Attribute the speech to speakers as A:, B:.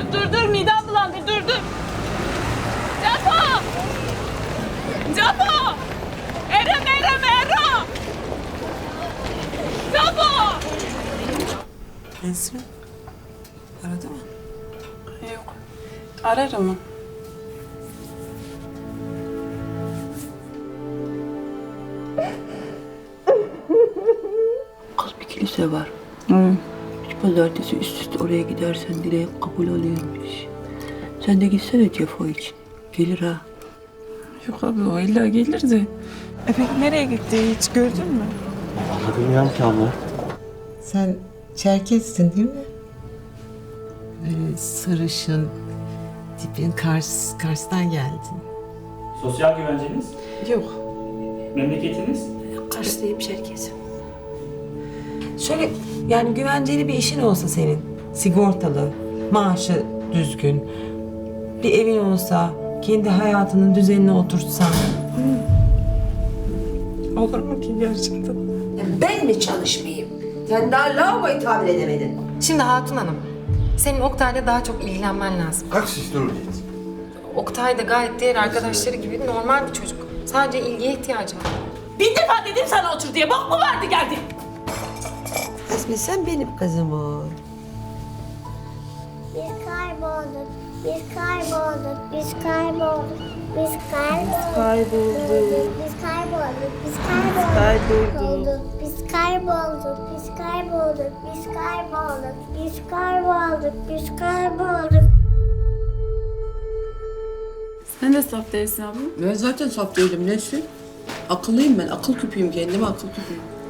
A: dur midem bulandı dur. Capo! Capo! Ero! Capo!
B: Nesrin aradı mı?
A: Yok. Ararım mı?
C: Kız bir kilise var.
A: Hı.
C: Üç pazartesi üst üste oraya gidersen dileğin kabul oluyormuş. Sen de gitsene Cefo için. Gelir ha.
A: Yok abi o illa gelirdi. Peki nereye gitti hiç gördün mü?
D: Vallahi bilmiyorum ki abla.
B: Sen Çerkes'sin değil mi? Böyle sarışın, tipin Kars'tan geldin.
E: Sosyal güvenceniz,
B: Yok.
E: memleketiniz,
C: Karşılayayım Çerkes.
B: Şöyle yani güvenceli bir işin olsa senin. Sigortalı, maaşı düzgün. Bir evin olsa, kendi hayatının düzenine oturtsan. Olur mu ki gerçekten?
F: Ben mi çalışmayayım? Sen daha lavaboyu tamir edemedin.
G: Şimdi Hatun Hanım, senin Oktay'la daha çok ilgilenmen lazım.
H: Как сестру нет?
G: Oktay da gayet diğer arkadaşları gibi normal bir çocuk. Sadece ilgiye ihtiyacı var.
A: Bin defa dedim sana otur diye. Bok mu vardı geldin?
F: Esme sen benim kızım ol.
I: Biz kaybolduk, biz kaybolduk, biz kaybolduk, biz kaybolduk, biz kaybolduk, biz kaybolduk, biz kaybolduk, biz kaybolduk, biz kaybolduk, biz kaybolduk, biz kaybolduk.
A: Sen de saf değilsin abla.
C: Ben zaten saf değilim Nesrin. Akıllıyım ben. Akıl küpüyüm kendime akıl küpüyüm.